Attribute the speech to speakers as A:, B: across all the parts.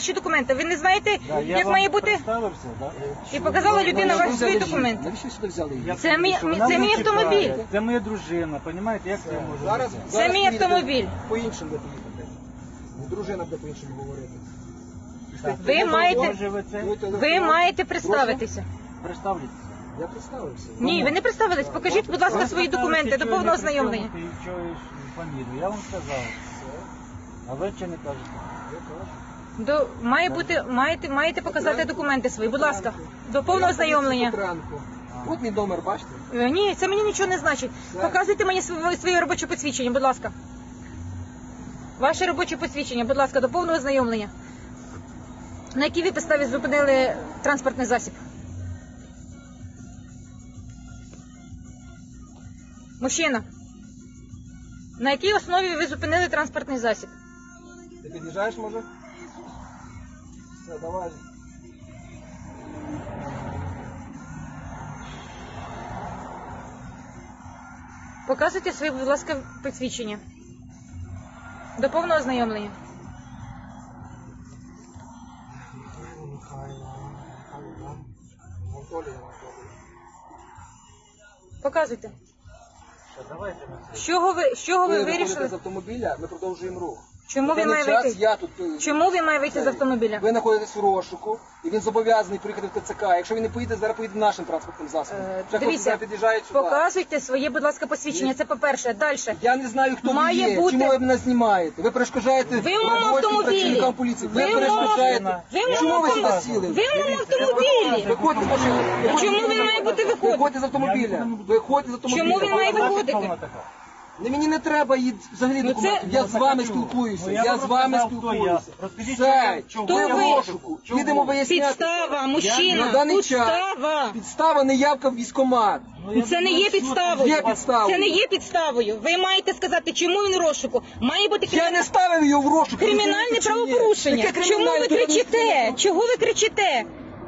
A: ваші документи. Ви не знаєте,
B: Да, я
A: як
B: вам
A: має бути?
B: представився, да?
A: І показала людина ваші свої документи.
C: Навіщо сюди взяли її?
B: Я
A: Це мій-
B: кажу, вона
A: це
B: мене
A: мій автомобіль.
B: чекає. Це моя дружина, розумієте, як це може
C: Зараз,
B: бути?
A: Це
C: зараз
A: мій
C: поїдете,
A: автомобіль.
C: По-іншому буде поїхати. Дружина буде по-іншому говорити.
B: Так.
A: Ви маєте,
B: Може ви це
A: ви маєте представитися.
B: представляєте?
C: Я представився.
A: Ні, ви не представились. Покажіть, будь ласка, свої документи до повного ознайомлення.
B: Ти чуєш фамілію, я вам сказав. А ви чи не кажете?
C: Я кажу.
A: Маєте показати документи свої, будь ласка, до повного ознайомлення.
C: Петренко. От мій номер, бачите?
A: Ні, це мені нічого не значить. Показуйте мені своє робоче посвідчення, будь ласка. Ваше робоче посвідчення, будь ласка, до повного ознайомлення. На якій ви підставі зупинили транспортний засіб? Мужчина, на якій основі ви зупинили транспортний засіб?
C: Ти під'їжджаєш, може? Все, давай.
A: Показуйте своє, будь ласка, посвідчення. До повного ознайомлення. Показуйте.
B: Давайте ми це.
A: З чого ви
C: Ви виходите
A: вирішили?
C: з автомобіля, ми продовжуємо рух.
A: Чому
C: На
A: він
C: даний
A: має
C: час
A: вийти?
C: я тут...
A: Чому він має вийти з автомобіля?
C: Ви знаходитесь в розшуку, і він зобов'язаний приїхати в ТЦК. Якщо він не поїде, зараз поїде нашим транспортним засобом. Вже хлопці
A: Дивіться,
C: зараз під'їжджають сюди.
A: показуйте своє, будь ласка, посвідчення. Це по-перше. Далі.
C: Я не знаю, хто
A: Має
C: ви є,
A: бути-
C: чому ви мене знімаєте. Ви перешкоджаєте
A: Ви в моєму
C: роботі
A: автомобілі.
C: працівникам поліції.
A: Ви в моєму
C: перешкоджаєте.
A: ви в
C: Чому
A: моєму
C: ви сюди
A: автомобілі.
C: сіли?
A: Ви в моєму автомобілі.
C: Виходьте з машини.
A: Чому він має бути виходити?
C: Виходьте з автомобіля. Виходьте з автомобіля.
A: Чому він має виходити?
B: Хто вона така?
C: Мені не треба їй взагалі
A: Ну,
C: документів.
A: це-
C: Я з вами спілкуюся.
B: Ну, я
C: Я
B: вам
C: з вами
B: розказав, хто я.
C: спілкуюся.
B: Розкажіть,
C: Все,
B: чому?
A: Хто
C: ви
A: ви?
C: в розшуку.
B: Чому?
C: Їдемо виясняти.
A: Підстава,
C: На
A: мужчина.
C: даний час
A: Підстава.
C: підстава неявка в військкомат.
B: Ну, я
A: Це не
B: думаю,
A: є
B: що
A: підставою.
C: Є підставою.
A: Це не є підставою. Ви маєте сказати, чому він в розшуку. Має бути
C: Я не ставив його в розшук.
A: кримінальне
C: розумієте, чи ні?
A: правопорушення.
C: Яке
A: Чому ви
C: кримінальне?
A: кричите? Чого ви кричите?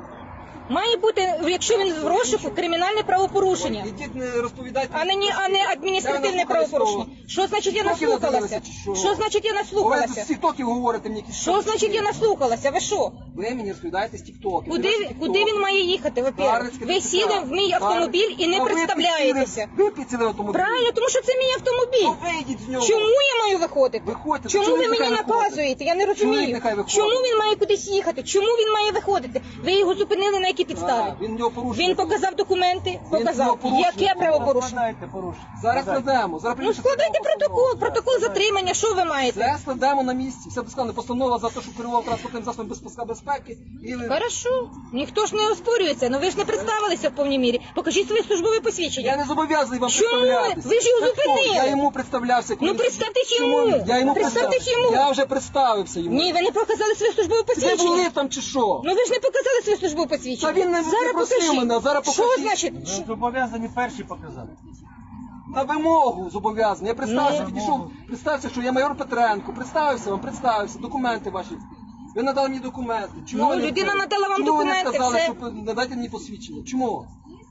A: Має бути, якщо він в розшуку, кримінальне правопорушення,
C: Ідіть, не розповідайте.
A: а не адміністративне
C: Я
A: правопорушення. Що значить я
C: Тіктоки
A: наслухалася?
C: надивилися, чи що?
A: Що значить я
C: Ви з
A: наслухалася?
C: тіктоків говорите мені якісь.
A: Що значить я наслухалася? Ви що?
C: Ви мені розповідаєте з тіктоків.
A: Куди він має їхати? Во-первых, ви сіли в мій автомобіль і не представляєтеся.
C: Ви підсіли в автомобіль.
A: Правильно, тому що це мій
C: Ну,
A: автомобіль.
C: вийдіть з нього.
A: Чому я маю виходити?
C: Виходьте.
A: Чому
C: Чоловік
A: ви мені
C: нехай виходить.
A: наказуєте? Я не
C: Чоловік
A: розумію.
C: нехай виходить.
A: Чому він має кудись їхати? Чому він має виходити? Ви його зупинили на якій підставі?
C: А, він його порушує.
A: Він показав документи,
C: його
A: показав.
C: порушує.
A: Яке правопорушення?
B: Складайте порушення.
C: Зараз
B: Складайте.
C: складемо. Зараз
A: Ну
C: прийде
A: складайте
C: постанова.
A: протокол затримання, що ви маєте?
C: Все складемо на місці. Все досконально. Постанова за те, що керував транспортним засобом без паска безпеки. І...
A: Хорошо, ніхто ж не оспорюється, ну ви ж не представилися в повній мірі. Покажіть своє службове
C: Я
A: посвідчення.
C: не зобов'язаний вам
A: Чому?
C: представлятися.
A: Ви ж його
C: Це хто?
A: зупинили.
C: Я йому представлявся.
A: Ну, представтесь йому.
C: Я йому
A: Представтесь
C: представився.
A: йому.
C: Я вже представився йому.
A: Ні, ви не показали своє службове
C: Ви були
A: посвідчення.
C: там чи що?
A: Ну ви ж не показали своє службове посвідчення.
C: Та він не
A: Зараз
C: просив
A: покажіть.
C: мене, зараз
A: Що
C: покажіть.
A: значить?
B: Ви зобов'язані перші показати.
C: На вимогу зобов'язаний. Я представився,
A: Ну.
C: підійшов, представився, що я майор Петренко. Представився вам, представився, документи ваші. Ви надали мені документи. Чому
A: Ну,
C: ви не-
A: людина надала вам
C: чому
A: документи,
C: ви не сказали,
A: все.
C: що надайте мені посвідчення? Чому?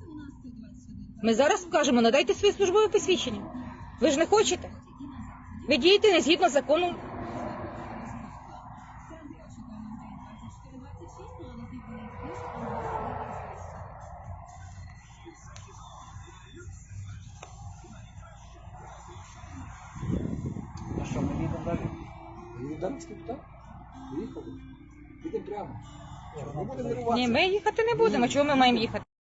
A: Ми зараз скажемо, надайте своє службове посвідчення. Ви ж не хочете. Ви дієте не згідно закону.
B: Ну що, ми їдемо далі?
C: Дарницький питав? Поїхали. Їдемо прямо. Не будемо нервуватися.
A: Ні, ми їхати не будемо. Чого ми маємо їхати?